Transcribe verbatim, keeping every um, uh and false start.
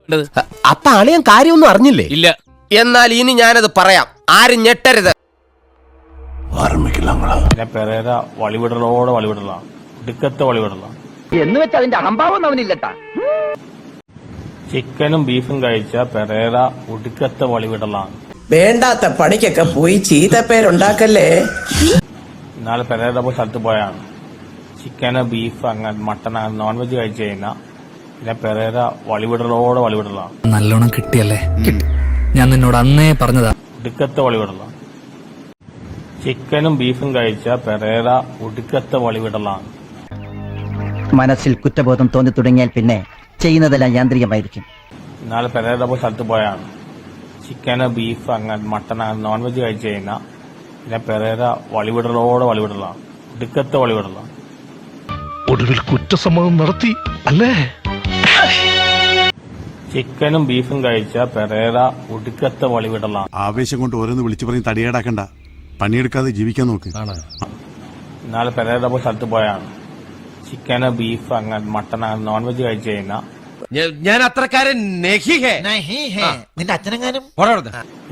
അപ്പൊ അളിയൻ കാര്യമൊന്നും അറിഞ്ഞില്ലേ? ഇല്ല. എന്നാൽ ഇനി ഞാനത് പറയാം, ആരും ഞെട്ടരുത്. പെരേര വളിവിടലോടെ വളിവിടലാണ്, ഒടുക്കത്തെ വളിവിടലാണ് എന്ന് വെച്ചാൽ അതിന്റെ അഹംഭാവം അവനില്ലട്ടാ. ചിക്കനും ബീഫും കഴിച്ച പെരേര ഒടുക്കത്തെ വളിവിടലാണ്. വേണ്ടാത്ത പണിക്കൊക്കെ പോയി ചീത്തപ്പേരുണ്ടാക്കല്ലേ. ഇന്നാളെ പെരേര പോയി സ്ഥലത്ത് പോയാണ് ചിക്കന് ബീഫ് അങ്ങനെ മട്ടൺ നോൺ വെജ് കഴിച്ചു കഴിഞ്ഞാൽ പിന്നെ പെരേര വളിവിടലോടെ വളിവിടലാണ്. നല്ലോണം കിട്ടിയല്ലേ? ഞാൻ നിന്നോട് അന്നേ പറഞ്ഞതാ. ഒടുക്കത്തെ വളിവിടലാണ്. ചിക്കനും ബീഫും കഴിച്ച പെരേര ഒടുക്കത്തെ വളിവിടലാണ്. മനസ്സിൽ കുറ്റബോധം തോന്നി തുടങ്ങിയാൽ പിന്നെ ചെയ്യുന്നതെല്ലാം യാന്ത്രികമായിരിക്കും. ഇന്നാളെ പെരേര പോയി സ്ഥലത്ത് പോയാണ് ചിക്കന് ബീഫ് അങ്ങനെ മട്ടൺ നോൺ വെജ് കഴിച്ചു കഴിഞ്ഞാൽ പിന്നെ പെരേര വളിവിടലോടെ വളിവിടലാണ്. ഒടുക്കത്തെ വളിവിടലാണ്. ഒടുവിൽ കുറ്റസമ്മതം നടത്തി അല്ലേ? ചിക്കനും ബീഫും കഴിച്ച പെരേര ഒടുക്കത്തെ വളിവിടലാണ്. ആവേശം കൊണ്ട് ഓരോന്ന് വിളിച്ചു പറഞ്ഞ് തടിയേടാക്കണ്ട, പണിയെടുക്കാതെ ജീവിക്കാൻ നോക്ക്. ഇന്നാളെ പെരേര പോയി സ്ഥലത്ത് പോയാണ് ചിക്കന് ബീഫ് അങ്ങനെ മട്ടൺ നോൺ വെജ് കഴിച്ചു കഴിഞ്ഞാൽ ഞാൻ അത്രക്കാരൻ നിന്റെ അച്ഛനെങ്ങാനും